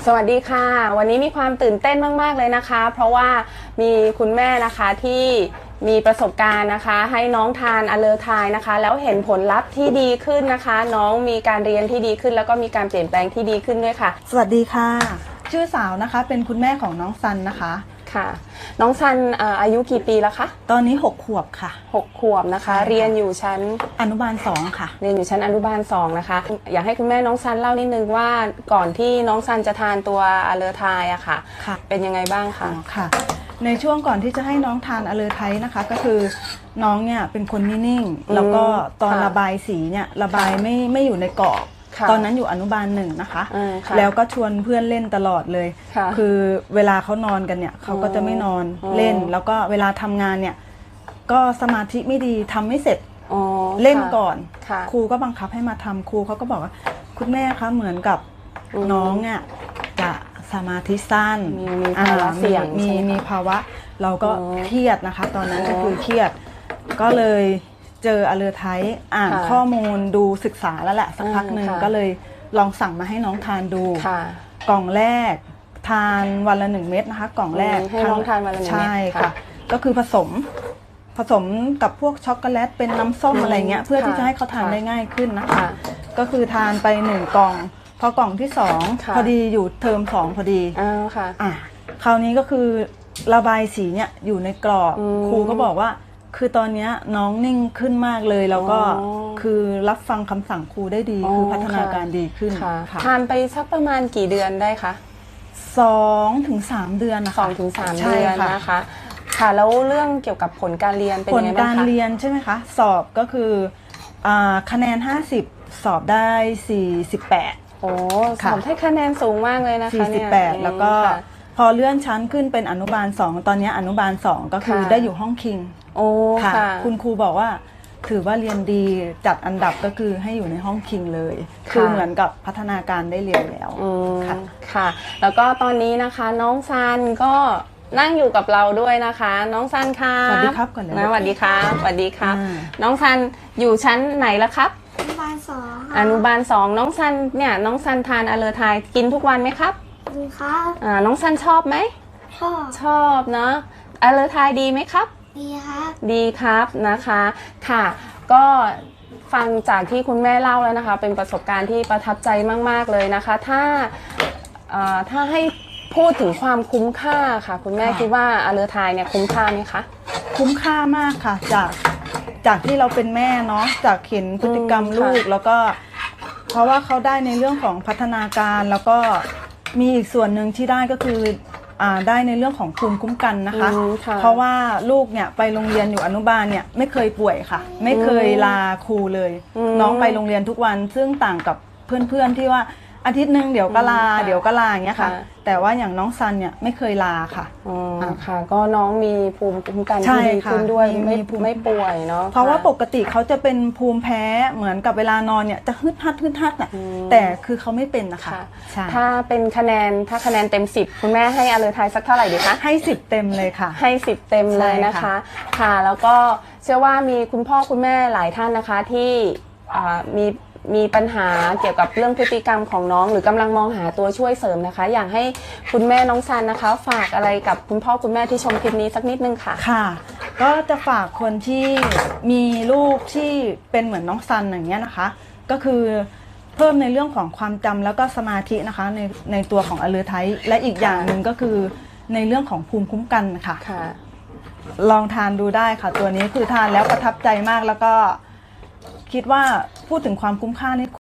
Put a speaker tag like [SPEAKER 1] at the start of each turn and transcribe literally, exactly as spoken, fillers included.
[SPEAKER 1] วัสดีค่ะวันนี้มีความตื่นเต้นมากๆเลยนะคะเพราะว่ามีคุณแม่นะคะที่มีประสบการณ์นะคะให้น้องทานอะเลอไทยนะคะแล้วเห็นผลลัพธ์ที่ดีขึ้นนะคะน้องมีการเรียนที่ดีขึ้นแล้วก็มีการเปลี่ยนแปลงที่ดีขึ้นด้วยค่ะ
[SPEAKER 2] สวัสดีค่ะชื่อสาวนะคะเป็นคุณแม่ของน้องซันนะคะ
[SPEAKER 1] ค่ะน้องซันอายุกี่ปีแล้วคะ
[SPEAKER 2] ตอนนี้หกขวบค่ะ
[SPEAKER 1] หกขวบนะคะเรียนอยู่ชั้น
[SPEAKER 2] อนุบาลสองค่ะ
[SPEAKER 1] เรียนอยู่ชั้นอนุบาลสองนะคะอยากให้คุณแม่น้องซันเล่านิดนึงว่าก่อนที่น้องซันจะทานตัวอะเลอไทยอะค่ะเป็นยังไงบ้างคะ
[SPEAKER 2] ค่ะในช่วงก่อนที่จะให้น้องทานอะเลอไทยนะคะก็คือน้องเนี่ยเป็นคนนิ่งๆแล้วก็ตอนระบายสีเนี่ยระบายไม่ไม่อยู่ในกรอบตอนนั้นอยู่อนุบาลหนึ่งนะคะแล้วก็ชวนเพื่อนเล่นตลอดเลยคือเวลาเขานอนกันเนี่ยเขาก็จะไม่นอนเล่นแล้วก็เวลาทำงานเนี่ยก็สมาธิไม่ดีทำไม่เสร็จเล่นก่อนครูก็บังคับให้มาทำครูเขาก็บอกว่าคุณแม่คะเหมือนกับน้องเนี่ยจะสมาธิสั้น
[SPEAKER 1] มีภาวะเสี่ยง
[SPEAKER 2] มีมีภาวะเราก็เครียดนะคะตอนนั้นก็คือเครียดก็เลยเจออะเลอไทยอ่านข้อมูลดูศึกษาแล้วแหละสักพักหนึ่งก็เลยลองสั่งมาให้น้องทานดูกล่องแรกทานวันละหนึ่งเม็ดนะคะกล่องแรก
[SPEAKER 1] ให้น้องทานวันละหนึ่งเม็ด
[SPEAKER 2] ใช่ค่ะก็คือผสมผสมกับพวกช็อกโกแลตเป็นน้ำส้มอะไรเงี้ยเพื่อที่จะให้เขาทานได้ง่ายขึ้นนะคะก็คือทานไปหนึ่งกล่องพอกล่องที่สองพอดีอยู่เทอมสองพอดีอ่าคราวนี้ก็คือระบายสีเนี่ยอยู่ในกรอบครูก็บอกว่าคือตอนนี้น้องนิ่งขึ้นมากเลยแล้วก็คือรับฟังคำสั่งครูได้ดีคือพัฒนาการดีขึ้น
[SPEAKER 1] ทานไปสักประมาณกี่เดือนได้คะ
[SPEAKER 2] สองถึงสามเดือนนะคะ
[SPEAKER 1] สองถึงสามเดือนนะคะค่ะแล้วเรื่องเกี่ยวกับผลการเรียนเป็นยังไงบ้างคะ
[SPEAKER 2] ผลการเรียนใช่ไหมคะสอบก็คือคะแนนห้าสิบสอบได้สี่สิบแปด
[SPEAKER 1] โอ้สอบให้คะแนนสูงมากเลยนะคะ
[SPEAKER 2] สี่สิบแปดแล้วก็พอเลื่อนชั้นขึ้นเป็นอนุบาลสองตอนนี้อนุบาลสองก็คือได้อยู่ห้องคิง
[SPEAKER 1] โอ้ค่ะ
[SPEAKER 2] คุณครูบอกว่าถือว่าเรียนดีจัดอันดับก็คือให้อยู่ในห้องคิงเลยคือเหมือนกับพัฒนาการได้เรียนแล้ว
[SPEAKER 1] ค่ะค่ะแล้วก็ตอนนี้นะคะน้องซันก็นั่งอยู่กับเราด้วยนะคะน้องซันค่ะ
[SPEAKER 2] สวัสดีครับก่อนเลย
[SPEAKER 1] นะสวัสดีครับสวัสดีครับน้องซันอยู่ชั้นไหนละครับ
[SPEAKER 3] อนุบาลสอง
[SPEAKER 1] อนุบาลสองน้องซันเนี่ยน้องซันทานอะเลอไทยกินทุกวันไหมครับ
[SPEAKER 3] ดีครับ
[SPEAKER 1] อ่าน้องซันชอบไหม
[SPEAKER 3] ชอบ
[SPEAKER 1] ชอบเนาะอะเลอไทยดีไหมครับ
[SPEAKER 3] ดีครับ
[SPEAKER 1] ดีครับนะคะค่ะก็ฟังจากที่คุณแม่เล่าแล้วนะคะเป็นประสบการณ์ที่ประทับใจมากๆเลยนะคะถ้าถ้าให้พูดถึงความคุ้มค่าค่ะคุณแม่คิดว่าอะเลอไทยเนี่ยคุ้มค่าไหมคะ
[SPEAKER 2] คุ้มค่ามากค่ะจากจากที่เราเป็นแม่เนาะจากเห็นพฤติกรรมลูกแล้วก็เพราะว่าเขาได้ในเรื่องของพัฒนาการแล้วก็มีอีกส่วนหนึ่งที่ได้ก็คือได้ในเรื่องของภูมิคุ้มกันนะคะเพราะว่าลูกเนี่ยไปโรงเรียนอยู่อนุบาลเนี่ยไม่เคยป่วยค่ะไม่เคยลาครูเลยน้องไปโรงเรียนทุกวันซึ่งต่างกับเพื่อนๆที่ว่าอาทิตย์หนึ่งเดี๋ยวก็ลาเดี๋ยวก็ลาอย่างเงี้ยค่ะแต่ว่าอย่างน้องซันเนี่ยไม่เคยลาค่ะ
[SPEAKER 1] อ๋อค่ะก็น้องมีภูมิคุ้มกันที่ดีขึ้นด้วยไม่ไม่ป่วยเนาะ
[SPEAKER 2] เพราะว่าปกติเขาจะเป็นภูมิแพ้เหมือนกับเวลานอนเนี่ยจะฮึดฮัดฮึดฮัดน่ะแต่คือเขาไม่เป็นนะคะ
[SPEAKER 1] ถ้าเป็นคะแนนถ้าคะแนนเต็มสิบคุณแม่ให้อะเลอไทยสักเท่าไหร่ดีคะ
[SPEAKER 2] ให้สิบเต็มเลยค่ะ
[SPEAKER 1] ให้สิบเต็มเลยนะคะค่ะแล้วก็เชื่อว่ามีคุณพ่อคุณแม่หลายท่านนะคะที่มีมีปัญหาเกี่ยวกับเรื่องพฤติกรรมของน้องหรือกำลังมองหาตัวช่วยเสริมนะคะอยากให้คุณแม่น้องซันนะคะฝากอะไรกับคุณพ่อคุณแม่ที่ชมคลิปนี้สักนิดนึงค่ะ
[SPEAKER 2] ค่ะก็จะฝากคนที่มีลูกที่เป็นเหมือนน้องซันอย่างเงี้ยนะคะก็คือเพิ่มในเรื่องของความจำแล้วก็สมาธินะคะในในตัวของอะเลอไทยและอีกอย่างหนึ่งก็คือในเรื่องของภูมิคุ้มกันค่ะลองทานดูได้ค่ะตัวนี้คือทานแล้วประทับใจมากแล้วก็คิดว่าพูดถึงความคุ้มค่านี่